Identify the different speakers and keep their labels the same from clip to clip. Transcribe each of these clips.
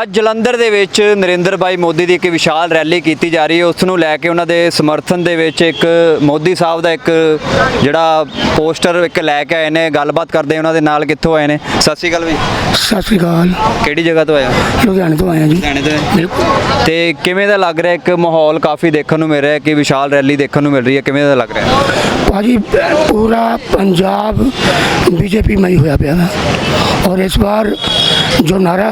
Speaker 1: ਅੱਜ ਜਲੰਧਰ ਦੇ ਵਿੱਚ ਨਰਿੰਦਰ ਭਾਈ ਮੋਦੀ ਦੀ ਇੱਕ ਵਿਸ਼ਾਲ ਰੈਲੀ ਕੀਤੀ ਜਾ ਰਹੀ ਹੈ। ਉਸ ਨੂੰ ਲੈ ਕੇ ਉਹਨਾਂ ਦੇ ਸਮਰਥਨ ਦੇ ਵਿੱਚ ਇੱਕ ਮੋਦੀ ਸਾਹਿਬ ਦਾ ਇੱਕ ਜਿਹੜਾ ਪੋਸਟਰ ਇੱਕ ਲੈ ਕੇ ਆਏ ਨੇ। ਗੱਲਬਾਤ ਕਰਦੇ ਉਹਨਾਂ ਦੇ ਨਾਲ। ਕਿੱਥੋਂ ਆਏ ਨੇ? ਸਤਿ ਸ਼੍ਰੀ ਅਕਾਲ ਵੀ।
Speaker 2: ਸਤਿ ਸ਼੍ਰੀ ਅਕਾਲ।
Speaker 1: ਕਿਹੜੀ ਜਗ੍ਹਾ ਤੋਂ ਆਏ ਹੋ?
Speaker 2: ਲੁਧਿਆਣੇ ਤੋਂ ਆਏ ਹਾਂ ਜੀ।
Speaker 1: ਲੁਧਿਆਣੇ ਤੋਂ।
Speaker 2: ਬਿਲਕੁਲ।
Speaker 1: ਤੇ ਕਿਵੇਂ ਦਾ ਲੱਗ ਰਿਹਾ? ਇੱਕ ਮਾਹੌਲ ਕਾਫੀ ਦੇਖਣ ਨੂੰ ਮਿਲ ਰਿਹਾ ਕਿ ਵਿਸ਼ਾਲ ਰੈਲੀ ਦੇਖਣ ਨੂੰ ਮਿਲ ਰਹੀ ਹੈ। ਕਿਵੇਂ ਦਾ ਲੱਗ ਰਿਹਾ?
Speaker 2: ਭਾਜੀ ਪੂਰਾ ਪੰਜਾਬ बीजेपी में ही होया पिया है और इस बार जो नारा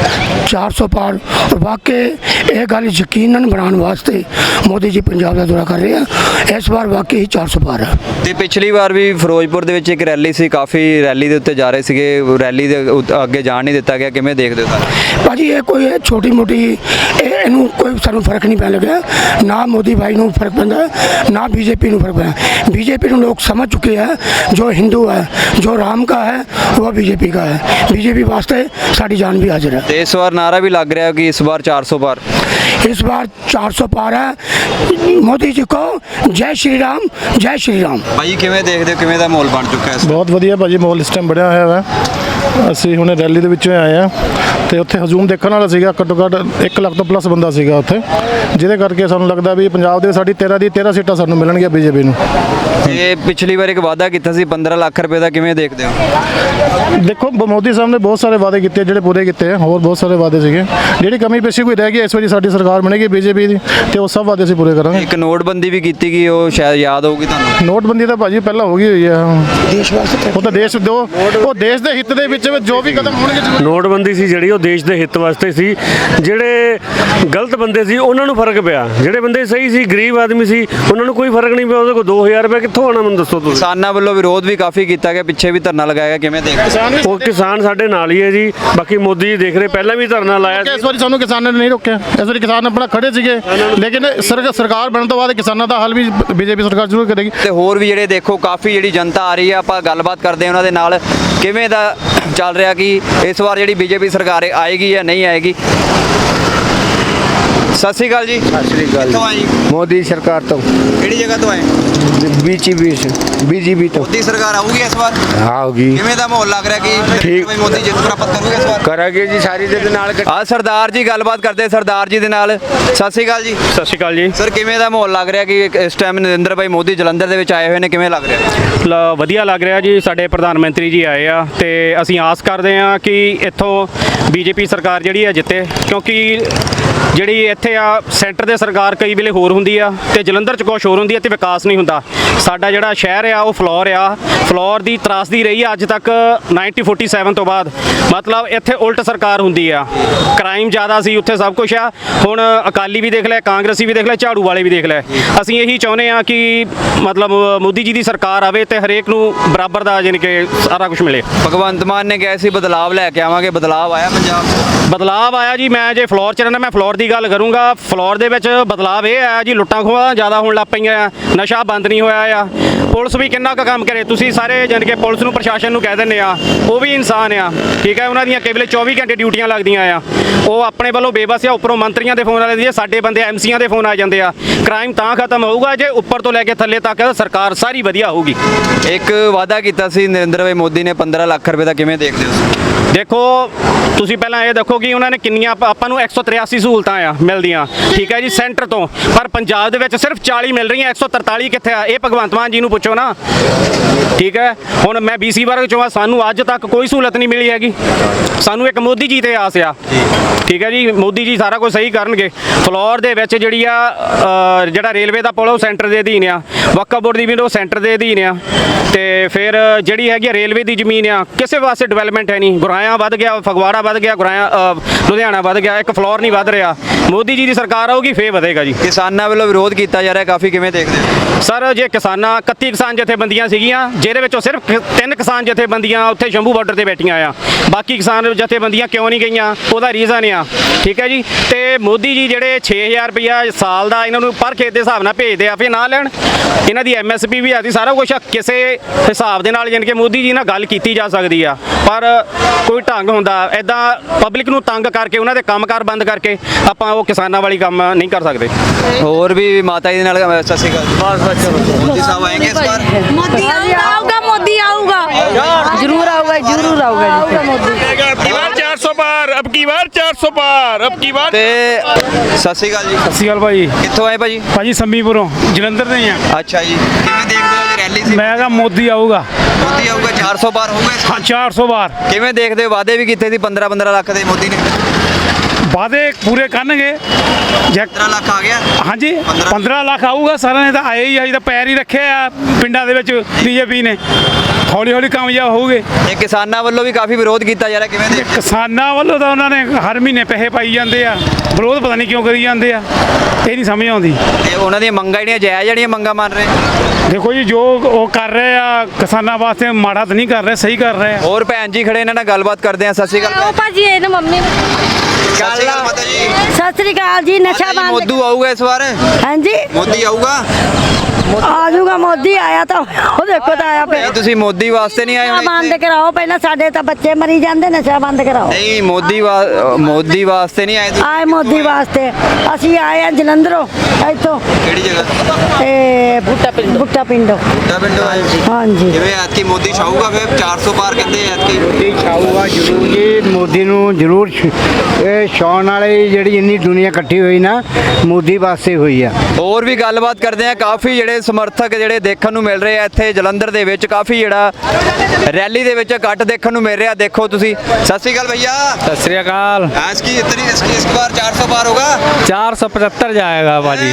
Speaker 2: 400 पार और वाकई ये गल यकीनन बनाने वास्ते मोदी जी पंजाब का दौरा कर रहे हैं। इस बार वाकई ही 400 पार है।
Speaker 1: ਤੇ ਪਿਛਲੀ ਵਾਰ ਵੀ ਫਿਰੋਜ਼ਪੁਰ ਦੇ ਵਿੱਚ ਇੱਕ ਰੈਲੀ ਸੀ, ਕਾਫੀ ਰੈਲੀ ਦੇ ਉੱਤੇ ਜਾ ਰਹੇ ਸੀਗੇ, ਰੈਲੀ ਦੇ ਅੱਗੇ ਜਾਣ ਨਹੀਂ ਦਿੱਤਾ ਗਿਆ। ਕਿਵੇਂ ਦੇਖਦੇ ਹੋ ਸਰ?
Speaker 2: ਭਾਜੀ ਇਹ ਕੋਈ ਛੋਟੀ ਮੋਟੀ ਇਹਨੂੰ ਕੋਈ ਸਾਨੂੰ ਫਰਕ ਨਹੀਂ ਪੈਣ ਲੱਗਿਆ। ਨਾ ਮੋਦੀ ਭਾਈ ਨੂੰ ਫਰਕ ਪੈਂਦਾ, ਨਾ बीजेपी ਨੂੰ ਫਰਕ ਪੈਂਦਾ। बीजेपी ਨੂੰ ਲੋਕ ਸਮਝ ਚੁੱਕੇ ਹੈ, ਜੋ ਹਿੰਦੂ ਹੈ, ਜੋ ਰਾਮ का है वो बीजेपी का है। बीजेपी वास्ते साड़ी जान भी हाजिर है।
Speaker 1: ਤੇ ਇਸ ਵਾਰ ਨਾਰਾ ਵੀ ਲੱਗ ਰਿਹਾ कि इस बार 400 पार।
Speaker 2: इस बार 400 पार है। मोदी जी को जय श्री राम, जय श्री राम।
Speaker 1: ਭਾਈ ਕਿਵੇਂ ਦੇਖਦੇ ਹੋ? ਕਿਵੇਂ ਦਾ ਮਾਹੌਲ ਬਣ ਚੁੱਕਾ ਹੈ?
Speaker 3: ਬਹੁਤ ਵਧੀਆ ਭਾਜੀ ਮਾਹੌਲ ਇਸ ਟਾਈਮ ਬਣਿਆ ਹੋਇਆ ਵਾ। ਅਸੀਂ ਹੁਣੇ ਰੈਲੀ ਦੇ ਵਿੱਚੋਂ ਆਏ ਆ ਤੇ ਉੱਥੇ ਹਜੂਮ ਦੇਖਣ ਵਾਲਾ ਸੀਗਾ। ਘੱਟੋ ਘੱਟ 1 ਲੱਖ ਤੋਂ ਪਲੱਸ ਬੰਦਾ ਸੀਗਾ ਉੱਥੇ, ਜਿਹਦੇ ਕਰਕੇ ਸਾਨੂੰ ਲੱਗਦਾ ਵੀ ਪੰਜਾਬ ਦੇ ਸਾਡੀ 13 ਦੀ 13 ਸੀਟਾਂ ਸਾਨੂੰ ਮਿਲਣਗੀਆਂ ਬੀਜੇਪੀ ਨੂੰ।
Speaker 1: ਇਹ ਪਿਛਲੀ ਵਾਰ ਇੱਕ ਵਾਅਦਾ ਕੀਤਾ ਸੀ 15 ਲੱਖ ਰੁਪਏ ਦਾ। ਕਿਵੇਂ ਦੇਖਦੇ ਹੋ?
Speaker 3: ਦੇਖੋ ਮੋਦੀ ਸਾਹਿਬ ਨੇ ਬਹੁਤ ਸਾਰੇ ਵਾਅਦੇ ਕੀਤੇ ਜਿਹੜੇ ਪੂਰੇ ਕੀਤੇ ਆ। ਹੋਰ ਬਹੁਤ ਸਾਰੇ ਵਾਅਦੇ ਸੀਗੇ। ਜਿਹੜੀ ਕਮੀ ਪੇਸ਼ੀ ਕੋਈ ਰਹਿ ਗਈ ਇਸ ਵਾਰੀ ਸਾਡੀ ਸਰਕਾਰ ਬਣੇਗੀ ਬੀਜੇਪੀ ਦੀ ਤੇ ਉਹ ਸਭ ਵਾਅਦੇ ਅਸੀਂ ਪੂਰੇ ਕਰਾਂਗੇ।
Speaker 1: ਇੱਕ ਨੋਟਬੰਦੀ ਵੀ ਕੀਤੀ ਗਈ, ਉਹ ਸ਼ਾਇਦ ਯਾਦ ਹੋਊਗੀ ਤੁਹਾਨੂੰ।
Speaker 3: ਨੋਟਬੰਦੀ ਤਾਂ ਭਾਜੀ ਪਹਿਲਾਂ ਹੋ ਗਈ ਹੋਈ ਆ। ਦੇਸ਼ ਵਾਸਤੇ ਉਹ ਤਾਂ ਦੇਸ਼ ਦੋ ਉਹ ਦੇਸ਼ ਦੇ ਹਿੱਤ ਦੇ ਵਿੱਚ ਜੋ ਵੀ ਕਦਮ ਹੋਣਗੇ।
Speaker 4: ਨੋਟਬੰਦੀ ਸੀ ਜਿਹੜੀ ਉਹ ਦੇਸ਼ ਦੇ ਹਿੱਤ ਵਾਸਤੇ ਸੀ। ਜਿਹੜੇ ਗਲਤ ਬੰਦੇ ਸੀ ਉਹਨਾਂ ਨੂੰ ਫਰਕ ਪਿਆ, ਜਿਹੜੇ ਬੰਦੇ ਸਹੀ ਸੀ ਗਰੀਬ ਆਦਮੀ ਸੀ ਉਹਨਾਂ ਨੂੰ ਕੋਈ ਫਰਕ ਨਹੀਂ ਪਿਆ। ਉਹਦੇ ਕੋਲ 2000 ਰੁਪਏ ਕਿੱਥੋਂ ਆਣਾ ਮੈਨੂੰ ਦੱਸੋ ਤੁਸੀਂ।
Speaker 1: ਕਿਸਾਨਾਂ ਵੱਲੋਂ ਵਿਰੋਧ ਵੀ ਕਾਫੀ ਕੀਤਾ ਗਿਆ, ਪਿੱਛੇ ਵੀ ਧਰਨਾ ਲਗਾਇਆ ਗਿਆ। ਕਿਵੇਂ ਦੇਖਦੇ?
Speaker 4: ਉਹ ਕਿਸਾਨ ਸਾਡੇ ਨਾਲ ਹੀ ਹੈ ਜੀ। ਬਾਕੀ ਮੋਦੀ ਜੀ ਦੇਖ ਰਹੇ, ਪਹਿਲਾਂ ਵੀ ਧਰਨਾ ਲਾਇਆ ਸੀ।
Speaker 3: ਇਸ ਵਾਰੀ ਸਾਨੂੰ ਕਿਸਾਨਾਂ ਨੇ ਨਹੀਂ ਰੋਕਿਆ। ਇਸ ਵਾਰੀ ਕਿਸਾਨ ਆਪਣਾ ਖੜੇ ਸੀਗੇ, ਲੇਕਿਨ ਸਰਕਾਰ ਬਣਨ ਤੋਂ ਬਾਅਦ ਕਿਸਾਨਾਂ ਦਾ ਹੱਲ ਵੀ ਬੀਜੇਪੀ ਸਰਕਾਰ ਜ਼ਰੂਰ ਕਰੇਗੀ।
Speaker 1: ਤੇ ਹੋਰ ਵੀ ਜਿਹੜੇ ਦੇਖੋ ਕਾਫੀ ਜਿਹੜੀ ਜਨਤਾ ਆ ਰਹੀ ਹੈ, ਆਪਾਂ ਗੱਲਬਾਤ ਕਰਦੇ ਹਾਂ ਉਹਨਾਂ ਦੇ ਨਾਲ। ਕਿਵੇਂ ਦਾ ਚੱਲ ਰਿਹਾ ਕਿ ਇਸ ਵਾਰ ਜਿਹੜੀ ਬੀਜੇਪੀ ਸਰਕਾਰ ਆਏਗੀ ਜਾਂ ਨਹੀਂ ਆਏਗੀ? ਸਤਿ ਸ਼੍ਰੀ ਅਕਾਲ ਜੀ।
Speaker 5: ਸਤਿ ਸ਼੍ਰੀ ਅਕਾਲ।
Speaker 1: ਕਿੱਥੋਂ ਆਏ ਜੀ?
Speaker 5: ਮੋਦੀ ਸਰਕਾਰ ਤੋਂ।
Speaker 1: ਕਿਹੜੀ ਜਗ੍ਹਾ ਤੋਂ ਆਏ?
Speaker 5: बीजेपी तो
Speaker 1: ਮੋਦੀ ਸਰਕਾਰ ਆਊਗੀ ਇਸ ਵਾਰ?
Speaker 5: आओगी।
Speaker 1: ਕਿਵੇਂ ਦਾ ਮਾਹੌਲ ਲੱਗ ਰਿਹਾ ਕਿ
Speaker 5: ਠੀਕ।
Speaker 1: ਮੋਦੀ ਜਿੱਤ ਪ੍ਰਾਪਤ ਕਰੂਗੇ ਇਸ ਵਾਰ?
Speaker 5: करेगी जी सारी दे नाल।
Speaker 1: ਆ ਸਰਦਾਰ ਜੀ ਗੱਲਬਾਤ ਕਰਦੇ ਸਰਦਾਰ ਜੀ ਦੇ ਨਾਲ। ਸਤਿ ਸ਼੍ਰੀ ਅਕਾਲ ਜੀ।
Speaker 4: ਸਤਿ ਸ਼੍ਰੀ ਅਕਾਲ ਜੀ।
Speaker 1: ਸਰ ਕਿਵੇਂ ਦਾ ਮਾਹੌਲ ਲੱਗ ਰਿਹਾ ਕਿ ਇਸ ਟਾਈਮ ਨਰਿੰਦਰ ਭਾਈ ਮੋਦੀ ਜਲੰਧਰ ਦੇ ਵਿੱਚ ਆਏ ਹੋਏ ਨੇ? ਕਿਵੇਂ ਲੱਗ ਰਿਹਾ?
Speaker 4: ਵਧੀਆ ਲੱਗ ਰਿਹਾ ਜੀ। ਸਾਡੇ ਪ੍ਰਧਾਨ ਮੰਤਰੀ ਜੀ ਆਏ ਆ ਤੇ ਅਸੀਂ ਆਸ ਕਰਦੇ ਆ ਕਿ ਇੱਥੋਂ ਬੀਜੇਪੀ ਸਰਕਾਰ ਜਿਹੜੀ ਆ ਜਿੱਤੇ, ਕਿਉਂਕਿ ਜਿਹੜੀ ਇੱਥੇ ਆ ਸੈਂਟਰ ਦੇ ਸਰਕਾਰ ਕਈ ਵੇਲੇ ਹੋਰ ਹੁੰਦੀ ਆ ਤੇ ਜਲੰਧਰ 'ਚ ਕੁਛ ਹੋਰ ਹੁੰਦੀ ਆ ਤੇ ਵਿਕਾਸ ਨਹੀਂ ਹੁੰਦਾ। ਸਾਡਾ ਜਿਹੜਾ ਸ਼ਹਿਰ ਆ ਉਹ ਫਲੋਰ ਦੀ ਤਰਾਸਦੀ ਰਹੀ ਆ ਅੱਜ ਤੱਕ 1947 ਤੋਂ ਬਾਅਦ। ਮਤਲਬ ਇੱਥੇ ਉਲਟ ਸਰਕਾਰ ਹੁੰਦੀ ਆ, ਕ੍ਰਾਈਮ ਜ਼ਿਆਦਾ ਸੀ ਉੱਥੇ, ਸਭ ਕੁਝ ਆ। ਹੁਣ ਅਕਾਲੀ ਵੀ ਦੇਖ ਲੈ, ਕਾਂਗਰਸੀ ਵੀ ਦੇਖ ਲੈ, ਝਾੜੂ ਵਾਲੇ ਵੀ ਦੇਖ ਲੈ। ਅਸੀਂ ਇਹੀ ਚਾਹੁੰਦੇ ਆ ਕਿ ਮਤਲਬ ਮੋਦੀ ਜੀ ਦੀ ਸਰਕਾਰ ਆਵੇ ਤੇ ਹਰੇਕ ਨੂੰ ਬਰਾਬਰ ਦਾ ਯਾਨੀ ਕਿ ਸਾਰਾ ਕੁਝ ਮਿਲੇ।
Speaker 1: ਭਗਵੰਤ ਮਾਨ ਨੇ ਕਿਹਾ ਸੀ ਬਦਲਾਵ ਲੈ ਕੇ ਆਵਾਂਗੇ। ਬਦਲਾਵ ਆਇਆ ਪੰਜਾਬ 'ਚ?
Speaker 4: ਬਦਲਾਵ ਆਇਆ ਜੀ। ਮੈਂ ਜੇ ਫਲੋਰ 'ਚ ਰਹਿੰਦਾ, ਮੈਂ ਫਲੋਰ ਦੀ ਗੱਲ ਕਰੂੰਗਾ। ਫਲੋਰ ਦੇ ਵਿੱਚ ਬਦਲਾਵ ਇਹ ਆਇਆ ਜੀ, ਲੁੱਟਾਂ ਖੋਹਾਂ ਜ਼ਿਆਦਾ ਹੋਣ ਲੱਗ ਪਈਆਂ ਆ, ਨਸ਼ਾ ਬੰਦ ਨਹੀਂ ਹੋਇਆ ਆ। ਪੁਲਿਸ ਵੀ ਕਿੰਨਾ ਕੁ ਕੰਮ ਕਰੇ? ਤੁਸੀਂ ਸਾਰੇ ਜਾਣੀ ਕਿ ਪੁਲਿਸ ਨੂੰ, ਪ੍ਰਸ਼ਾਸਨ ਨੂੰ ਕਹਿ ਦਿੰਦੇ ਆ, ਉਹ ਵੀ ਇਨਸਾਨ ਆ, ਠੀਕ ਹੈ। ਉਹਨਾਂ ਦੀਆਂ ਕੇਵਲ 24 ਘੰਟੇ ਡਿਊਟੀਆਂ ਲੱਗਦੀਆਂ ਆ। ਉਹ ਆਪਣੇ ਵੱਲੋਂ ਬੇਬਸ ਆ। ਉੱਪਰੋਂ ਮੰਤਰੀਆਂ ਦੇ ਫੋਨ ਆ ਜਾਂਦੇ, ਸਾਡੇ ਬੰਦੇ ਐਮਸੀਆਂ ਦੇ ਫੋਨ ਆ ਜਾਂਦੇ ਆ। ਕ੍ਰਾਈਮ ਤਾਂ ਖਤਮ ਹੋਊਗਾ ਜੇ ਉੱਪਰ ਤੋਂ ਲੈ ਕੇ ਥੱਲੇ ਤੱਕ ਸਰਕਾਰ ਸਾਰੀ ਵਧੀਆ ਹੋਊਗੀ।
Speaker 1: ਇੱਕ ਵਾਅਦਾ ਕੀਤਾ ਸੀ ਨਰਿੰਦਰ ਭਾਈ ਮੋਦੀ ਨੇ 15 ਲੱਖ ਰੁਪਏ ਦਾ। ਕਿਵੇਂ ਦੇਖਦੇ ਹੋ?
Speaker 4: ਦੇਖੋ ਤੁਸੀਂ ਪਹਿਲਾਂ ਇਹ ਦੇਖੋ ਕਿ ਉਹਨਾਂ ਨੇ ਕਿੰਨੀਆਂ ਆਪਾਂ ਨੂੰ 183 ਸਹੂਲਤਾਂ ਆ ਮਿਲਦੀਆਂ, ਠੀਕ ਹੈ ਜੀ, ਸੈਂਟਰ ਤੋਂ। ਪਰ ਪੰਜਾਬ ਦੇ ਵਿੱਚ ਸਿਰਫ 40 ਮਿਲ ਰਹੀਆਂ, 143 ਕਿੱਥੇ ਆ? ਇਹ ਭਗਵੰਤ ਮਾਨ ਜੀ ਨੂੰ ਪੁੱਛੋ ਨਾ, ਠੀਕ ਹੈ। ਹੁਣ ਮੈਂ BC ਵਰਗ ਚੋਂ ਆ, ਸਾਨੂੰ ਅੱਜ ਤੱਕ ਕੋਈ ਸਹੂਲਤ ਨਹੀਂ ਮਿਲੀ ਹੈਗੀ। ਸਾਨੂੰ ਇੱਕ ਮੋਦੀ ਜੀ ਤੇ ਆਸ ਆ, ਠੀਕ ਹੈ ਜੀ। ਮੋਦੀ ਜੀ ਸਾਰਾ ਕੁਝ ਸਹੀ ਕਰਨਗੇ। ਫਲੋਰ ਦੇ ਵਿੱਚ ਜਿਹੜੀ ਆ ਜਿਹੜਾ ਰੇਲਵੇ ਦਾ ਪੁਲ ਉਹ ਸੈਂਟਰ ਦੇ ਅਧੀਨ ਆ, ਵਕਫ ਬੋਰਡ ਦੀ ਵੀ ਉਹ ਸੈਂਟਰ ਦੇ ਅਧੀਨ ਆ। ਤੇ ਫਿਰ ਜਿਹੜੀ ਹੈਗੀ ਰੇਲਵੇ ਦੀ ਜ਼ਮੀਨ ਆ, ਕਿਸੇ ਪਾਸੇ ਡਿਵੈਲਪਮੈਂਟ ਹੈ ਨਹੀਂ। ਗੁਰਾਇਆ ਵੱਧ ਗਿਆ, ਫਗਵਾੜਾ ਵੱਧ ਗਿਆ, ਲੁਧਿਆਣਾ ਵੱਧ ਗਿਆ, ਇੱਕ ਫਲੋਰ ਨਹੀਂ ਵੱਧ ਰਿਹਾ। ਮੋਦੀ ਜੀ ਦੀ ਸਰਕਾਰ ਆਊਗੀ ਫੇਰ ਵਧੇਗਾ ਜੀ।
Speaker 1: ਕਿਸਾਨਾਂ ਵੱਲੋਂ ਵਿਰੋਧ ਕੀਤਾ ਜਾ ਰਿਹਾ ਕਾਫੀ, ਕਿਵੇਂ ਦੇਖਦੇ ਹੋ?
Speaker 4: ਸਰ ਜੇ 31 ਕਿਸਾਨ ਜਥੇਬੰਦੀਆਂ ਸੀਗੀਆਂ, ਜਿਹਦੇ ਵਿੱਚੋਂ ਸਿਰਫ 3 ਕਿਸਾਨ ਜਥੇਬੰਦੀਆਂ ਉੱਥੇ ਸ਼ੰਭੂ ਬਾਰਡਰ ਤੇ ਬੈਠੀਆਂ ਆ। ਬਾਕੀ ਕਿਸਾਨ ਜਥੇਬੰਦੀਆਂ ਕਿਉਂ ਨਹੀਂ ਗਈਆਂ? ਉਹਦਾ ਰੀਜ਼ਨ ਆ, ਠੀਕ ਹੈ ਜੀ। ਤੇ ਮੋਦੀ ਜੀ ਜਿਹੜੇ 6000 ਰੁਪਇਆ ਸਾਲ ਦਾ ਇਹਨਾਂ ਨੂੰ ਪਰ ਖੇਤ ਦੇ ਹਿਸਾਬ ਨਾਲ ਭੇਜਦੇ ਆ, ਫਿਰ ਨਾ ਲੈਣ। ਇਹਨਾਂ ਦੀ MSP ਵੀ ਆਦੀ, ਸਾਰਾ ਕੁਝ ਕਿਸੇ ਹਿਸਾਬ ਦੇ ਨਾਲ ਜਾਣੀ ਕਿ ਮੋਦੀ ਜੀ ਨਾਲ ਗੱਲ ਕੀਤੀ ਜਾ ਸਕਦੀ ਆ, ਪਰ ਕੋਈ ਢੰਗ ਹੁੰਦਾ ਐਦਾਂ ਪਬਲਿਕ ਨੂੰ ਤੰਗ ਕਰਕੇ ਉਹਨਾਂ ਦੇ ਕੰਮਕਾਰ ਬੰਦ ਕਰਕੇ ਆਪਾਂ ਉਹ ਕਿਸਾਨਾਂ ਵਾਲੀ ਕੰਮ ਨਹੀਂ ਕਰ ਸਕਦੇ।
Speaker 1: ਹੋਰ ਵੀ ਮਾਤਾ ਜੀ ਦੇ ਨਾਲ। ਸਤਿ ਸ਼੍ਰੀ ਅਕਾਲ। मोदी साहब आएंगे इस बार?
Speaker 6: मोदी आऊगा, मोदी आऊगा, जरूर आऊगा, जरूर आऊगा। अब की बार 400 पार, अब की बार 400 पार, अब की बार
Speaker 1: ਤੇ ਸਤਿ ਸ਼੍ਰੀ ਅਕਾਲ ਜੀ,
Speaker 7: ਸਤਿ ਸ਼੍ਰੀ ਅਕਾਲ ਭਾਈ।
Speaker 1: ਕਿੱਥੋਂ ਆਏ ਭਾਜੀ?
Speaker 7: ਭਾਜੀ ਸੰਮੀਪੁਰੋਂ ਜਲੰਧਰ ਦੇ ਹੀ ਆ।
Speaker 1: ਅੱਛਾ ਜੀ, ਕਿਵੇਂ ਦੇਖਦੇ ਹੋ ਜੀ ਰੈਲੀ ਸੀ?
Speaker 7: ਮੈਂ ਕਿਹਾ ਮੋਦੀ ਆਊਗਾ।
Speaker 1: ਮੋਦੀ ਆਊਗਾ, 400 ਪਾਰ ਹੋਊਗਾ ਇਸ ਵਾਰ?
Speaker 7: ਹਾਂ 400 ਵਾਰ
Speaker 1: ਕਿਵੇਂ ਦੇਖਦੇ ਹੋ? ਵਾਅਦੇ ਵੀ ਕੀਤੇ ਸੀ 15 ਲੱਖ ਦੇ ਮੋਦੀ ਨੇ,
Speaker 7: ਵਾਅਦੇ ਪੂਰੇ ਕਰਨਗੇ।
Speaker 1: 15 ਲੱਖ ਆ ਗਿਆ।
Speaker 7: ਹਾਂਜੀ 15 ਲੱਖ ਆਊਗਾ, ਸਾਰਿਆਂ ਨੇ ਤਾਂ ਆਏ ਹੀ ਆ, ਤਾਂ ਪੈਰ ਹੀ ਰੱਖੇ ਆ ਪਿੰਡਾਂ ਦੇ ਵਿੱਚ ਬੀਜੇਪੀ ਨੇ। ਹੌਲੀ ਹੌਲੀ ਕਾਮਯਾਬ ਹੋਊਗੇ।
Speaker 1: ਇਹ ਕਿਸਾਨਾਂ ਵੱਲੋਂ ਵੀ ਕਾਫੀ ਵਿਰੋਧ ਕੀਤਾ ਜਾ ਰਿਹਾ, ਕਿਵੇਂ
Speaker 7: ਤੇ
Speaker 1: ਦੇਖਦੇ?
Speaker 7: ਕਿਸਾਨਾਂ ਵੱਲੋਂ ਤਾਂ ਉਹਨਾਂ ਨੇ ਹਰ ਮਹੀਨੇ ਪੈਸੇ ਪਾਈ ਜਾਂਦੇ ਆ, ਵਿਰੋਧ ਪਤਾ ਨਹੀਂ ਕਿਉਂ ਕਰੀ ਜਾਂਦੇ ਆ, ਇਹ ਨਹੀਂ ਸਮਝ ਆਉਂਦੀ।
Speaker 1: ਤੇ ਉਹਨਾਂ ਦੀਆਂ ਮੰਗਾਂ ਜਿਹੜੀਆਂ ਜਾਇਜ਼ ਜਿਹੜੀਆਂ ਮੰਗਾਂ ਮੰਨ ਰਹੇ?
Speaker 7: ਦੇਖੋ ਜੀ ਜੋ ਉਹ ਕਰ ਰਹੇ ਆ ਕਿਸਾਨਾਂ ਵਾਸਤੇ ਮਾੜਾ ਤਾਂ ਨਹੀਂ ਕਰ ਰਹੇ, ਸਹੀ ਕਰ ਰਹੇ ਆ।
Speaker 1: ਹੋਰ ਭੈਣ ਜੀ ਖੜੇ, ਇਹਨਾਂ ਨਾਲ ਗੱਲਬਾਤ ਕਰਦੇ ਆ। ਸਤਿ ਸ਼੍ਰੀ ਅਕਾਲ
Speaker 8: ਆਓ
Speaker 1: ਭੈਣ।
Speaker 8: ਭਾਜੀ ਇਹ ਨਾ ਮੰਮੀ
Speaker 1: ਸਤਿ ਸ਼੍ਰੀ ਅਕਾਲ ਮਾਤਾ ਜੀ।
Speaker 8: ਸਤਿ ਸ੍ਰੀ ਅਕਾਲ ਜੀ। ਨਸ਼ਾ
Speaker 1: ਮਾਤਾ ਜੀ,
Speaker 8: ਬੰਦ
Speaker 1: ਮੋਦੀ ਆਊਗਾ ਇਸ ਵਾਰ?
Speaker 8: ਹਾਂਜੀ
Speaker 1: ਮੋਦੀ ਆਊਗਾ?
Speaker 8: ਆ ਜਾਊਗਾ ਮੋਦੀ ਆਇਆ ਤਾਂ ਉਹ ਦੇਖੋ ਤਾਂ ਆਇਆ
Speaker 1: ਨਹੀਂ,
Speaker 8: ਪਿਆ।
Speaker 1: ਤੁਸੀਂ ਮੋਦੀ ਵਾਸਤੇ ਨਹੀਂ ਆਏ
Speaker 8: ਨਸ਼ਾ
Speaker 1: ਹੁਣ
Speaker 8: ਬੰਦ
Speaker 1: ਇੱਥੇ?
Speaker 8: ਕਰਾਓ ਪਹਿਲਾਂ, ਸਾਡੇ ਤਾਂ ਬੱਚੇ ਮਰੀ ਜਾਂਦੇ, ਨਸ਼ਾ ਬੰਦ ਕਰਾਓ।
Speaker 1: ਨਹੀਂ, ਮੋਦੀ ਵਾਸਤੇ ਨਹੀਂ ਆਏ ਤੁਸੀਂ?
Speaker 8: ਆਏ ਮੋਦੀ ਵਾਸਤੇ ਅਸੀਂ ਆਏ ਆ ਜਲੰਧਰੋਂ, ਇੱਥੋਂ
Speaker 1: ਕਿਹੜੀ ਜਗ੍ਹਾ?
Speaker 8: ਤੇ ਬੁੱਟਾ ਪਿੰਡੋਂ।
Speaker 1: ਬੁੱਢਾ ਪਿੰਡੋਂ ਆਏ ਸੀ।
Speaker 8: ਹਾਂਜੀ
Speaker 1: ਜਿਵੇਂ ਐਤਕੀ ਮੋਦੀ ਛਾਊਗਾ ਫਿਰ 400 ਪਾਰ ਕਹਿੰਦੇ ਐਤਕੀ।
Speaker 5: ਆਊਗਾ ਜ਼ਰੂਰ ਜੀ, ਮੋਦੀ ਨੂੰ ਜ਼ਰੂਰ ਇਹ ਛਾਉਣ ਵਾਲੀ ਜਿਹੜੀ ਇੰਨੀ ਦੁਨੀਆ ਇਕੱਠੀ ਹੋਈ ਨਾ, ਮੋਦੀ ਵਾਸਤੇ ਹੋਈ ਆ।
Speaker 1: ਹੋਰ ਵੀ ਗੱਲਬਾਤ ਕਰਦੇ ਆ। ਕਾਫੀ ਜਿਹੜੇ ਸਮਰਥਕ ਜਿਹੜੇ ਦੇਖਣ ਨੂੰ ਮਿਲ ਰਹੇ ਆ ਇੱਥੇ ਜਲੰਧਰ ਦੇ ਵਿੱਚ, ਕਾਫੀ ਜਿਹੜਾ ਰੈਲੀ ਦੇ ਵਿੱਚ ਇਕੱਠ ਦੇਖਣ ਨੂੰ ਮਿਲ ਰਿਹਾ। ਦੇਖੋ ਤੁਸੀਂ। ਸਤਿ ਸ਼੍ਰੀ ਅਕਾਲ भैया।
Speaker 7: सत श्री अकाल।
Speaker 1: इस बार 400 पार होगा?
Speaker 7: 475 जाएगा भाजी।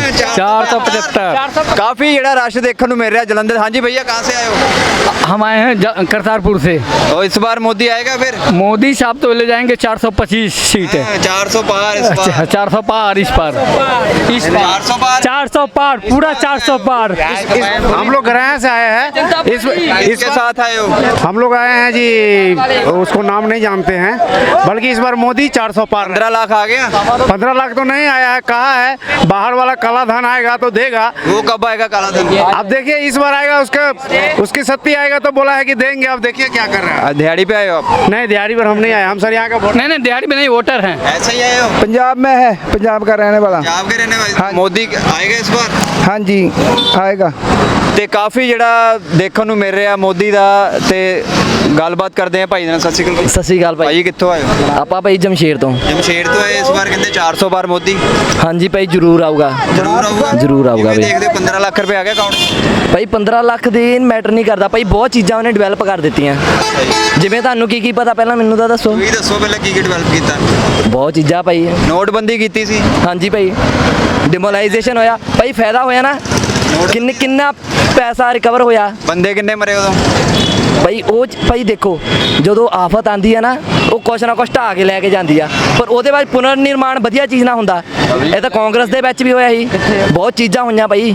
Speaker 7: 475।
Speaker 1: काफी ਜਿਹੜਾ रश देखने ਨੂੰ मिल रहा है जलंधर। हाँ जी भैया, कहाँ से आए हो?
Speaker 9: हम आए हैं करतारपुर से।
Speaker 1: और इस बार मोदी आएगा फिर?
Speaker 9: मोदी साहब तो ले जाएंगे 425 सीट है।
Speaker 1: 400 पार इस बार।
Speaker 9: 400 पार इस पार।
Speaker 1: 400 पार।
Speaker 9: 400 पार पूरा 400 पार।
Speaker 5: हम लोग गराया से आए हैं।
Speaker 1: इसके साथ आए हो?
Speaker 5: हम लोग आए हैं जी, उसको नाम नहीं जानते हैं, बल्कि इस बार मोदी 400 पार।
Speaker 1: 15 लाख आ गया?
Speaker 5: 15 लाख तो नहीं आया है, कहा है बाहर वाला काला धन आएगा तो देगा।
Speaker 1: वो कब आएगा काला धन?
Speaker 5: अब देखिए इस बार आएगा, उसकी सत्ती आएगा तो बोला है कि देंगे। अब देखिए क्या कर रहा है।
Speaker 1: दिहाड़ी पे आए हो आप?
Speaker 5: नहीं दिहाड़ी पर हम नहीं आए, हम सर यहाँ का वोट।
Speaker 9: नहीं नहीं दिहाड़ी में नहीं, वोटर हैं।
Speaker 1: ऐसे ही आए हो?
Speaker 10: पंजाब में है, पंजाब का रहने वाला।
Speaker 1: पंजाब के रहने वाले। मोदी आएगा इस बार?
Speaker 10: हाँ जी आएगा।
Speaker 1: ਤੇ ਕਾਫੀ ਜਿਹੜਾ ਦੇਖਣ ਨੂੰ ਮਿਲ ਰਿਹਾ ਮੋਦੀ ਦਾ। ਤੇ ਗੱਲਬਾਤ ਕਰਦੇ ਆ ਭਾਈ ਨਾਲ। ਸਤਿ ਸ਼੍ਰੀ ਅਕਾਲ।
Speaker 9: सत श्रीकाल भाई।
Speaker 1: ਭਾਈ ਕਿੱਥੋਂ ਆਏ ਹੋ?
Speaker 9: आपा भाई जमशेर तो।
Speaker 1: ਜਮਸ਼ੇਰ ਤੋਂ ਆਏ। ਇਸ ਵਾਰ ਕਹਿੰਦੇ 400 ਪਾਰ ਮੋਦੀ
Speaker 9: हाँ जी भाई जरूर आऊगा।
Speaker 1: ਜ਼ਰੂਰ ਆਊਗਾ।
Speaker 9: ਜ਼ਰੂਰ ਆਊਗਾ
Speaker 1: ਕਿਵੇਂ
Speaker 9: ਬਈ।
Speaker 1: ਦੇਖਦੇ ਹੋ 15 ਲੱਖ ਰੁਪਏ ਆ ਗਿਆ ਅਕਾਊਂਟ?
Speaker 9: ਭਾਈ 15 ਲੱਖ ਦੇ ਮੈਟਰ ਨਹੀਂ ਕਰਦਾ ਭਾਈ, ਬਹੁਤ ਚੀਜ਼ਾਂ ਉਹਨੇ ਡਿਵੈਲਪ ਕਰ ਦਿੱਤੀਆਂ। ਜਿਵੇਂ ਤੁਹਾਨੂੰ ਕੀ ਪਤਾ ਪਹਿਲਾਂ ਮੈਨੂੰ ਤਾਂ ਦੱਸੋ।
Speaker 1: ਤੁਸੀਂ ਦੱਸੋ ਪਹਿਲਾਂ ਕੀ ਡਿਵੈਲਪ ਕੀਤਾ?
Speaker 9: ਬਹੁਤ ਚੀਜ਼ਾਂ ਭਾਈ।
Speaker 1: ਨੋਟਬੰਦੀ ਕੀਤੀ ਸੀ।
Speaker 9: ਹਾਂਜੀ ਭਾਈ ਡਿਮੋਲਾਈਜੇਸ਼ਨ ਹੋਇਆ ਭਾਈ, ਫਾਇਦਾ ਹੋਇਆ ਨਾ। ਕਿੰਨਾ ਪੈਸਾ ਰਿਕਵਰ ਹੋਇਆ।
Speaker 1: ਬੰਦੇ ਕਿੰਨੇ ਮਰੇ ਉਦੋਂ?
Speaker 9: ਭਾਈ ਉਹ ਭਾਈ ਦੇਖੋ ਜਦੋਂ ਆਫਤ ਆਂਦੀ ਹੈ ਨਾ, ਉਹ ਕੁਛ ਨਾ ਕੁਛ ਢਾਹ ਕੇ ਲੈ ਕੇ ਜਾਂਦੀ ਆ, ਪਰ ਉਹਦੇ ਬਾਅਦ ਪੁਨਰ ਨਿਰਮਾਣ ਵਧੀਆ ਚੀਜ਼ ਨਾ ਹੁੰਦਾ। ਇਹ ਤਾਂ ਕਾਂਗਰਸ ਦੇ ਵਿੱਚ ਵੀ ਹੋਇਆ ਸੀ, ਬਹੁਤ ਚੀਜ਼ਾਂ ਹੋਈਆਂ ਭਾਈ,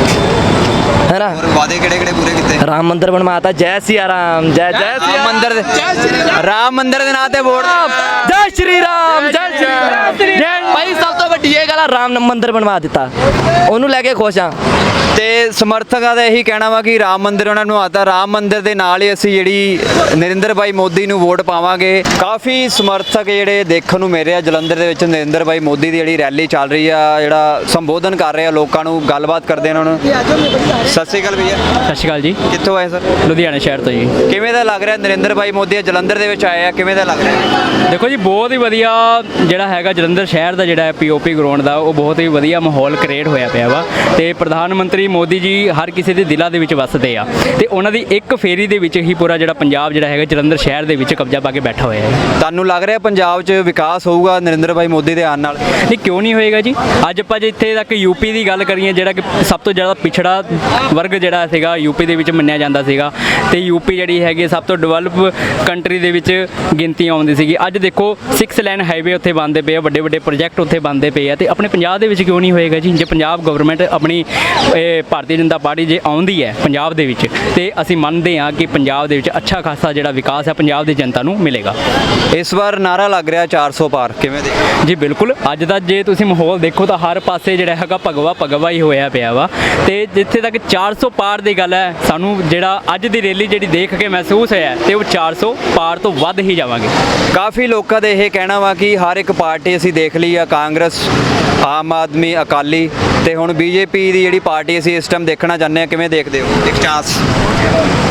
Speaker 9: ਹੈ ਨਾ।
Speaker 1: ਹੋਰ ਵਾਅਦੇ ਕਿਹੜੇ ਕਿਹੜੇ ਪੂਰੇ ਕੀਤੇ?
Speaker 9: ਰਾਮ ਮੰਦਿਰ ਬਣਵਾਤਾ। ਜੈ ਸਿਆ ਰਾਮ। ਜੈ ਸਿਆ
Speaker 1: ਰਾਮ ਮੰਦਿਰ ਰਾਮ ਮੰਦਿਰ ਦੇ ਨਾਂ ਤੇ ਵੋਟ।
Speaker 9: ਜੈ ਸ਼੍ਰੀ ਰਾਮ। ਜੈ ਸ਼੍ਰੀ ਰਾਮ। ਭਾਈ ਸਭ ਤੋਂ ਵੱਡੀ ਇਹ ਗੱਲ ਆ, ਰਾਮ ਮੰਦਿਰ ਬਣਵਾ ਦਿੱਤਾ, ਉਹਨੂੰ ਲੈ ਕੇ ਖੁਸ਼ ਆ।
Speaker 1: ਤੇ ਸਮਰਥਕਾਂ ਦਾ ਇਹੀ ਕਹਿਣਾ ਵਾ ਕਿ ਰਾਮ ਮੰਦਿਰ ਉਹਨਾਂ ਨੂੰ ਆਤਾ। ਰਾਮ ਮੰਦਿਰ ਦੇ ਨਾਲ ਹੀ ਅਸੀਂ ਜਿਹੜੀ ਨਰਿੰਦਰ ਭਾਈ ਮੋਦੀ ਨੂੰ ਵੋਟ ਪਾਵਾਂਗੇ। ਕਾਫੀ ਸਮਰਥਕ ਜਿਹੜੇ ਦੇਖਣ ਨੂੰ ਮਿਲ ਰਹੇ ਆ ਜਲੰਧਰ ਦੇ ਵਿੱਚ। ਨਰਿੰਦਰ ਭਾਈ ਮੋਦੀ ਦੀ ਜਿਹੜੀ ਰੈਲੀ ਚੱਲ ਰਹੀ ਆ, ਜਿਹੜਾ ਸੰਬੋਧਨ ਕਰ ਰਹੇ ਆ ਲੋਕਾਂ ਨੂੰ, ਗੱਲਬਾਤ ਕਰਦੇ ਆ ਉਹਨਾਂ ਨੂੰ। ਸਤਿ ਸ਼੍ਰੀ ਅਕਾਲ ਭਈਆ।
Speaker 9: ਸਤਿ ਸ਼੍ਰੀ ਅਕਾਲ ਜੀ।
Speaker 1: ਕਿੱਥੋਂ ਆਏ ਸਰ?
Speaker 9: ਲੁਧਿਆਣਾ ਸ਼ਹਿਰ ਤੋਂ ਜੀ।
Speaker 1: ਕਿਵੇਂ ਦਾ ਲੱਗ ਰਿਹਾ ਨਰਿੰਦਰ ਭਾਈ ਮੋਦੀ ਜਲੰਧਰ ਦੇ ਵਿੱਚ ਆਏ ਆ? ਕਿਵੇਂ ਦਾ ਲੱਗ ਰਿਹਾ?
Speaker 9: ਦੇਖੋ ਜੀ ਬਹੁਤ ਹੀ ਵਧੀਆ ਜਿਹੜਾ ਹੈਗਾ ਜਲੰਧਰ ਸ਼ਹਿਰ ਦਾ ਜਿਹੜਾ ਪੀਓਪੀ ਗਰਾਊਂਡ ਦਾ, ਉਹ ਬਹੁਤ ਹੀ ਵਧੀਆ ਮਾਹੌਲ ਕ੍ਰੀਏਟ ਹੋਇਆ ਪਿਆ ਵਾ। ਤੇ ਪ੍ਰਧਾਨ ਮੰਤਰੀ ਮੋਦੀ ਜੀ ਹਰ ਕਿਸੇ ਦੇ ਦਿਲਾਂ ਦੇ ਵਿੱਚ ਵਸਦੇ ਆ, ਤੇ ਉਹਨਾਂ ਦੀ ਇੱਕ ਫੇਰੀ ਦੇ ਵਿੱਚ ਹੀ ਪੂਰਾ ਜਿਹੜਾ ਪੰਜਾਬ ਜਿਹੜਾ ਹੈਗਾ ਜਲੰਧਰ ਸ਼ਹਿਰ ਦੇ ਵਿੱਚ ਕਬਜ਼ਾ ਪਾ ਕੇ ਬੈਠਾ ਹੋਇਆ ਹੈ।
Speaker 1: ਤੁਹਾਨੂੰ ਲੱਗ ਰਿਹਾ ਪੰਜਾਬ 'ਚ ਵਿਕਾਸ ਹੋਊਗਾ ਨਰਿੰਦਰ ਭਾਈ ਮੋਦੀ ਦੇ ਆਉਣ ਨਾਲ?
Speaker 9: ਨਹੀਂ ਕਿਉਂ ਨਹੀਂ ਹੋਏਗਾ ਜੀ। ਅੱਜ ਆਪਾਂ ਜੇ ਇੱਥੇ ਤੱਕ ਯੂਪੀ ਦੀ ਗੱਲ ਕਰੀਏ, ਜਿਹੜਾ ਕਿ ਸਭ ਤੋਂ ਜ਼ਿਆਦਾ ਪਿਛੜਾ ਵਰਗ ਜਿਹੜਾ ਸੀਗਾ ਯੂਪੀ ਦੇ ਵਿੱਚ ਮੰਨਿਆ ਜਾਂਦਾ ਸੀਗਾ, ਤੇ ਯੂਪੀ ਜਿਹੜੀ ਹੈਗੀ ਸਭ ਤੋਂ ਡਿਵੈਲਪ ਕੰਟਰੀ ਦੇ ਵਿੱਚ ਗਿਣਤੀ ਆਉਂਦੀ ਸੀਗੀ। ਅੱਜ ਦੇਖੋ 6 ਲਾਈਨ ਹਾਈਵੇ ਉੱਥੇ ਬਣਦੇ ਪਏ ਆ, ਵੱਡੇ ਵੱਡੇ ਪ੍ਰੋਜੈਕਟ ਉੱਥੇ ਬਣਦੇ ਪਏ ਆ, ਤੇ ਆਪਣੇ ਪੰਜਾਬ ਦੇ ਵਿੱਚ ਕਿਉਂ ਨਹੀਂ ਹੋਏਗਾ ਜੀ। ਜੇ ਪੰਜਾਬ ਗਵਰਨਮੈਂਟ ਆਪਣੀ ਭਾਰਤੀ ਜਨਤਾ ਪਾਰਟੀ ਜੇ ਆਉਂਦੀ ਹੈ ਪੰਜਾਬ ਦੇ ਵਿੱਚ, ਤੇ ਅਸੀਂ ਮੰਨਦੇ ਹਾਂ ਕਿ ਪੰਜਾਬ ਦੇ ਵਿੱਚ ਅੱਛਾ ਖਾਸਾ ਜਿਹੜਾ ਵਿਕਾਸ ਹੈ ਪੰਜਾਬ ਦੀ ਜਨਤਾ ਨੂੰ ਮਿਲੇਗਾ।
Speaker 1: ਇਸ ਵਾਰ ਨਾਰਾ ਲੱਗ ਰਿਹਾ 400 ਪਾਰ, ਕਿਵੇਂ ਦੇ?
Speaker 9: ਜੀ ਬਿਲਕੁਲ। ਅੱਜ ਦਾ ਜੇ ਤੁਸੀਂ ਮਾਹੌਲ ਦੇਖੋ ਤਾਂ ਹਰ ਪਾਸੇ ਜਿਹੜਾ ਹੈਗਾ ਭਗਵਾ ਹੀ ਹੋਇਆ ਪਿਆ ਵਾ, ਤੇ ਜਿੱਥੇ ਤੱਕ 400 ਪਾਰ ਦੀ ਗੱਲ ਹੈ, ਸਾਨੂੰ ਜਿਹੜਾ ਅੱਜ ਦੀ ਰੈਲੀ ਜਿਹੜੀ ਦੇਖ ਕੇ ਮਹਿਸੂਸ ਹੋਇਆ, ਤੇ ਉਹ 400 ਪਾਰ ਤੋਂ ਵੱਧ ਹੀ ਜਾਵਾਂਗੇ।
Speaker 1: ਕਾਫੀ ਲੋਕਾਂ ਦਾ ਇਹ ਕਹਿਣਾ ਵਾ ਕਿ ਹਰ ਇੱਕ ਪਾਰਟੀ ਅਸੀਂ ਦੇਖ ਲਈ ਆ, ਕਾਂਗਰਸ, ਆਮ ਆਦਮੀ, ਅਕਾਲੀ, ਤੇ ਹੁਣ ਬੀਜੇਪੀ ਦੀ ਜਿਹੜੀ ਪਾਰਟੀ ਅਸੀਂ ਇਸ ਟਾਈਮ ਦੇਖਣਾ ਚਾਹੁੰਦੇ ਹਾਂ। ਕਿਵੇਂ ਦੇਖਦੇ ਹੋ? ਇੱਕ ਚਾਂਸ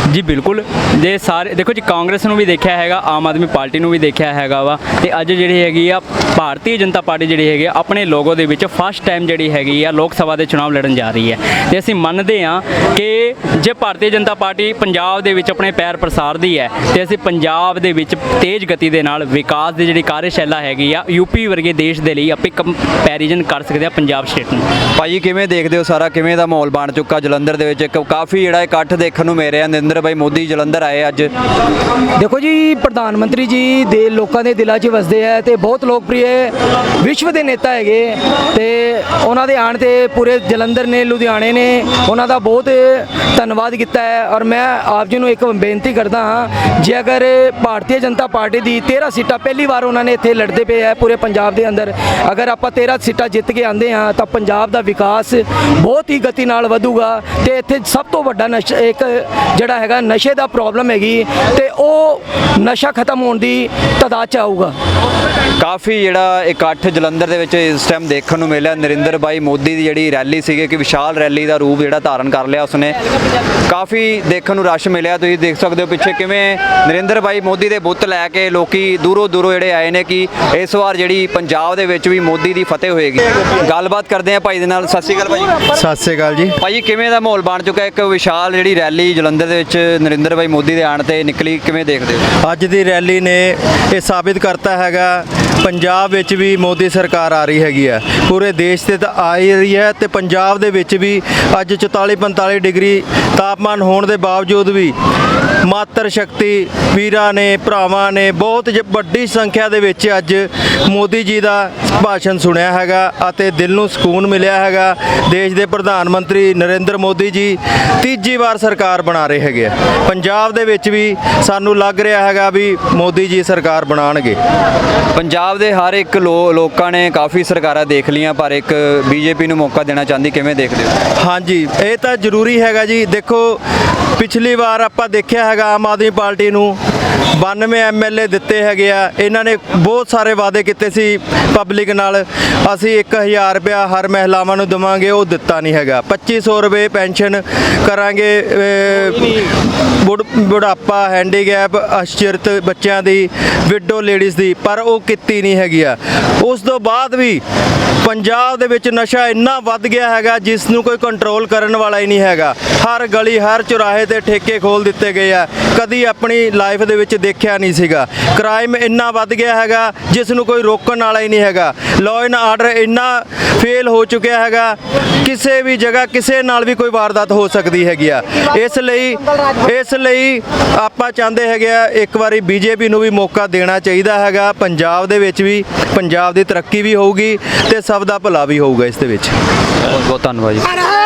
Speaker 9: ਜੀ ਬਿਲਕੁਲ। ਜੇ ਸਾਰੇ ਦੇਖੋ ਜੀ, ਕਾਂਗਰਸ ਨੂੰ ਵੀ ਦੇਖਿਆ ਹੈਗਾ, ਆਮ ਆਦਮੀ ਪਾਰਟੀ ਨੂੰ ਵੀ ਦੇਖਿਆ ਹੈਗਾ ਵਾ, ਤੇ ਅੱਜ ਜਿਹੜੀ ਹੈਗੀ ਆ ਭਾਰਤੀ ਜਨਤਾ ਪਾਰਟੀ ਜਿਹੜੀ ਹੈਗੀ ਆ ਆਪਣੇ ਲੋਗੋ ਦੇ ਵਿੱਚ ਫਸਟ ਟਾਈਮ ਜਿਹੜੀ ਹੈਗੀ ਆ ਲੋਕ ਸਭਾ ਦੇ ਚੁਣਾਵ ਲੜਨ ਜਾ ਰਹੀ ਹੈ। ਤੇ ਅਸੀਂ ਮੰਨਦੇ ਹਾਂ ਕਿ ਜੇ ਭਾਰਤੀ ਜਨਤਾ ਪਾਰਟੀ ਪੰਜਾਬ ਦੇ ਵਿੱਚ ਆਪਣੇ ਪੈਰ ਪ੍ਰਸਾਰਦੀ ਹੈ ਤੇ ਅਸੀਂ ਪੰਜਾਬ ਦੇ ਵਿੱਚ ਤੇਜ਼ ਗਤੀ ਦੇ ਨਾਲ ਵਿਕਾਸ ਦੀ ਜਿਹੜੀ ਕਾਰਜਸ਼ਾਲਾ ਹੈਗੀ ਆ ਯੂਪੀ ਵਰਗੇ ਦੇਸ਼ ਦੇ ਲਈ ਆਪਾਂ ਕੰਪੈਰੀਜ਼ਨ ਕਰ ਸਕਦੇ ਆ ਪੰਜਾਬ ਸਟੇਟ ਨੂੰ।
Speaker 1: ਭਾਜੀ ਕਿਵੇਂ ਦੇਖਦੇ ਹੋ ਸਾਰਾ, ਕਿਵੇਂ ਦਾ ਮਾਹੌਲ ਬਣ ਚੁੱਕਾ ਜਲੰਧਰ ਦੇ ਵਿੱਚ? ਇੱਕ ਕਾਫੀ ਜਿਹੜਾ ਇਕੱਠ ਦੇਖਣ ਨੂੰ ਮਿਲ ਰਿਹਾ, ਨਰਿੰਦਰ ਭਾਈ ਮੋਦੀ ਜਲੰਧਰ ਆਏ ਅੱਜ।
Speaker 10: ਦੇਖੋ ਜੀ, ਪ੍ਰਧਾਨ ਮੰਤਰੀ ਜੀ ਦੇ ਲੋਕਾਂ ਦੇ ਦਿਲਾਂ 'ਚ ਵਸਦੇ ਹੈ ਤੇ ਬਹੁਤ ਲੋਕਪ੍ਰਿਯ ਵਿਸ਼ਵ ਦੇ ਨੇਤਾ ਹੈਗੇ, ਤੇ ਉਹਨਾਂ ਦੇ ਆਉਣ ਤੇ ਪੂਰੇ ਜਲੰਧਰ ਨੇ, ਲੁਧਿਆਣੇ ਨੇ ਉਹਨਾਂ ਦਾ ਬਹੁਤ ਧੰਨਵਾਦ ਕੀਤਾ ਹੈ। ਔਰ ਮੈਂ ਆਪ ਜੀ ਨੂੰ ਇੱਕ ਬੇਨਤੀ ਕਰਦਾ ਹਾਂ, ਜੇ ਅਗਰ ਭਾਰਤੀ ਜਨਤਾ ਪਾਰਟੀ ਦੀ 13 ਸੀਟਾਂ ਪਹਿਲੀ ਵਾਰ ਉਹਨਾਂ ਨੇ ਇੱਥੇ ਲੜਦੇ ਪਏ ਹੈ ਪੂਰੇ ਪੰਜਾਬ ਦੇ ਅੰਦਰ, ਅਗਰ ਆਪਾਂ 13 ਸੀਟਾਂ ਜਿੱਤ ਕੇ ਆਉਂਦੇ ਹਾਂ ਤਾਂ ਪੰਜਾਬ ਦਾ ਵਿਕਾਸ ਬਹੁਤ ਹੀ ਗਤੀ ਨਾਲ ਵਧੂਗਾ। ਤੇ ਇੱਥੇ ਸਭ ਤੋਂ ਵੱਡਾ ਨਸ਼ਾ ਇੱਕ ਜਿਹੜਾ ਹੈਗਾ ਨਸ਼ੇ ਦਾ ਪ੍ਰੋਬਲਮ ਹੈਗੀ, ਤੇ ਉਹ ਨਸ਼ਾ ਖਤਮ ਹੋਣ ਦੀ ਤਾਦਾਦ 'ਚ ਆਊਗਾ।
Speaker 1: ਕਾਫੀ ਜਿਹੜਾ ਇਕੱਠ ਜਲੰਧਰ ਦੇ ਵਿੱਚ ਇਸ ਟਾਈਮ ਦੇਖਣ ਨੂੰ ਮਿਲਿਆ। ਨਰਿੰਦਰ ਭਾਈ ਮੋਦੀ ਦੀ ਜਿਹੜੀ ਰੈਲੀ ਸੀਗੀ ਕਿ ਵਿਸ਼ਾਲ ਰੈਲੀ ਦਾ ਰੂਪ ਜਿਹੜਾ ਧਾਰਨ ਕਰ ਲਿਆ ਉਸਨੇ, ਕਾਫੀ ਦੇਖਣ ਨੂੰ ਰਸ਼ ਮਿਲਿਆ। ਤੁਸੀਂ ਦੇਖ ਸਕਦੇ ਹੋ ਪਿੱਛੇ ਕਿਵੇਂ ਨਰਿੰਦਰ ਭਾਈ ਮੋਦੀ ਦੇ ਬੁੱਤ ਲੈ ਕੇ ਲੋਕੀ ਦੂਰੋਂ ਦੂਰੋਂ ਜਿਹੜੇ ਆਏ ਨੇ ਕਿ ਇਸ ਵਾਰ ਜਿਹੜੀ ਪੰਜਾਬ ਦੇ ਵਿੱਚ ਵੀ ਮੋਦੀ ਦੀ ਫਤਿਹ ਹੋਏਗੀ। ਗੱਲਬਾਤ ਕਰਦੇ ਆ ਭਾਈ ਦੇ ਨਾਲ। ਸਤਿ ਸ਼੍ਰੀ ਅਕਾਲ ਭਾਈ।
Speaker 10: ਸਤਿ ਸ਼੍ਰੀ ਅਕਾਲ ਜੀ।
Speaker 1: ਭਾਈ ਕਿਵੇਂ ਦਾ ਮਾਹੌਲ ਬਣ ਚੁੱਕਾ? ਇੱਕ ਵਿਸ਼ਾਲ ਜਿਹੜੀ ਰੈਲੀ ਜਲੰਧਰ ਦੇ ਵਿੱਚ ਨਰਿੰਦਰ ਭਾਈ ਮੋਦੀ ਦੇ ਆਉਣ ਤੇ ਨਿਕਲੀ, ਕਿਵੇਂ ਦੇਖਦੇ ਹੋ?
Speaker 10: ਅੱਜ ਦੀ ਰੈਲੀ ਨੇ ਇਹ ਸਾਬਿਤ ਕਰਤਾ ਹੈਗਾ ਪੰਜਾਬ ਵਿੱਚ ਵੀ ਮੋਦੀ ਸਰਕਾਰ ਆ ਰਹੀ ਹੈਗੀ ਹੈ, ਪੂਰੇ ਦੇਸ਼ ਤੇ ਤਾਂ ਆ ਹੀ ਰਹੀ ਹੈ, ਤੇ ਪੰਜਾਬ ਦੇ ਵਿੱਚ ਵੀ ਅੱਜ 44-45 ਡਿਗਰੀ ਤਾਪਮਾਨ ਹੋਣ ਦੇ ਬਾਵਜੂਦ ਵੀ ਮਾਤਰ ਸ਼ਕਤੀ ਵੀਰਾਂ ਨੇ, ਭਰਾਵਾਂ ਨੇ ਬਹੁਤ ਵੱਡੀ ਸੰਖਿਆ ਦੇ ਵਿੱਚ ਅੱਜ ਮੋਦੀ ਜੀ ਦਾ ਭਾਸ਼ਣ ਸੁਣਿਆ ਹੈਗਾ ਅਤੇ ਦਿਲ ਨੂੰ ਸਕੂਨ ਮਿਲਿਆ ਹੈਗਾ। ਦੇਸ਼ ਦੇ ਪ੍ਰਧਾਨ ਮੰਤਰੀ ਨਰਿੰਦਰ ਮੋਦੀ ਜੀ ਤੀਜੀ ਵਾਰ ਸਰਕਾਰ ਬਣਾ ਰਹੇ ਹੈਗੇ ਆ ਪੰਜਾਬ ਦੇ ਵਿੱਚ ਵੀ, ਸਾਨੂੰ ਲੱਗ ਰਿਹਾ ਹੈਗਾ ਵੀ ਮੋਦੀ ਜੀ ਸਰਕਾਰ ਬਣਾਉਣਗੇ।
Speaker 1: ਪੰਜਾਬ ਦੇ ਹਰ ਇੱਕ ਲੋਕਾਂ ਨੇ ਕਾਫੀ ਸਰਕਾਰਾਂ ਦੇਖ ਲਈਆਂ, ਪਰ ਇੱਕ ਬੀਜੇਪੀ ਨੂੰ ਮੌਕਾ ਦੇਣਾ ਚਾਹੁੰਦੀ, ਕਿਵੇਂ ਦੇਖਦੇ ਹੋ?
Speaker 10: ਹਾਂਜੀ, ਇਹ ਤਾਂ ਜ਼ਰੂਰੀ ਹੈਗਾ ਜੀ। ਦੇਖੋ, ਪਿਛਲੀ ਵਾਰ ਆਪਾਂ ਦੇਖਿਆ ਹੈਗਾ ਆਮ ਆਦਮੀ ਪਾਰਟੀ ਨੂੰ 92 ਐਮਐਲਏ ਦਿੱਤੇ ਹੈਗੇ ਆ, ਇਹਨਾਂ ਨੇ ਬਹੁਤ ਸਾਰੇ ਵਾਅਦੇ ਕੀਤੇ ਸੀ ਪਬਲਿਕ ਨਾਲ, ਅਸੀਂ 1000 ਰੁਪਇਆ ਹਰ ਮਹਿਲਾਵਾਂ ਨੂੰ ਦੇਵਾਂਗੇ, ਉਹ ਦਿੱਤਾ ਨਹੀਂ ਹੈਗਾ। 2500 ਰੁਪਏ ਪੈਨਸ਼ਨ ਕਰਾਂਗੇ ਬੁਢਾਪਾ, ਹੈਂਡੀਕੈਪ, ਅਸ਼ਰਤ ਬੱਚਿਆਂ ਦੀ, ਵਿਡੋ ਲੇਡੀਜ਼ ਦੀ, ਪਰ ਉਹ ਕੀਤੀ ਨਹੀਂ ਹੈਗੀ ਆ। ਉਸ ਤੋਂ ਬਾਅਦ ਵੀ ਪੰਜਾਬ ਦੇ ਵਿੱਚ ਨਸ਼ਾ ਇੰਨਾ ਵੱਧ ਗਿਆ ਹੈਗਾ ਜਿਸ ਨੂੰ ਕੋਈ ਕੰਟਰੋਲ ਕਰਨ ਵਾਲਾ ਹੀ ਨਹੀਂ ਹੈਗਾ। ਹਰ ਗਲੀ, ਹਰ ਚੁਰਾਹੇ ਤੇ ਠੇਕੇ ਖੋਲ ਦਿੱਤੇ ਗਏ ਆ, ਕਦੀ ਆਪਣੀ ਲਾਈਫ ਦੇ ਵਿੱਚ ਦੇਖਿਆ ਨਹੀਂ ਸੀਗਾ। ਕ੍ਰਾਈਮ ਇੰਨਾ ਵੱਧ ਗਿਆ ਹੈਗਾ ਜਿਸ ਨੂੰ ਕੋਈ ਰੋਕਣ ਵਾਲਾ ਹੀ ਨਹੀਂ ਹੈਗਾ। ਲਾਅ ਐਂਡ ਆਰਡਰ ਇੰਨਾ ਫੇਲ ਹੋ ਚੁੱਕਿਆ ਹੈਗਾ, ਕਿਸੇ ਵੀ ਜਗ੍ਹਾ ਕਿਸੇ ਨਾਲ ਵੀ ਕੋਈ ਵਾਰਦਾਤ ਹੋ ਸਕਦੀ ਹੈਗੀ ਆ। ਇਸ ਲਈ ਆਪਾਂ ਚਾਹੁੰਦੇ ਹੈਗੇ ਆ ਇੱਕ ਵਾਰੀ ਬੀਜੇਪੀ ਨੂੰ ਵੀ ਮੌਕਾ ਦੇਣਾ ਚਾਹੀਦਾ ਹੈਗਾ ਪੰਜਾਬ ਦੇ ਵਿੱਚ ਵੀ, ਪੰਜਾਬ ਦੀ ਤਰੱਕੀ ਵੀ ਹੋਊਗੀ ਤੇ ਸਭ ਦਾ ਭਲਾ ਵੀ ਹੋਊਗਾ ਇਸ ਦੇ ਵਿੱਚ।
Speaker 1: ਬਹੁਤ ਬਹੁਤ ਧੰਨਵਾਦ ਜੀ।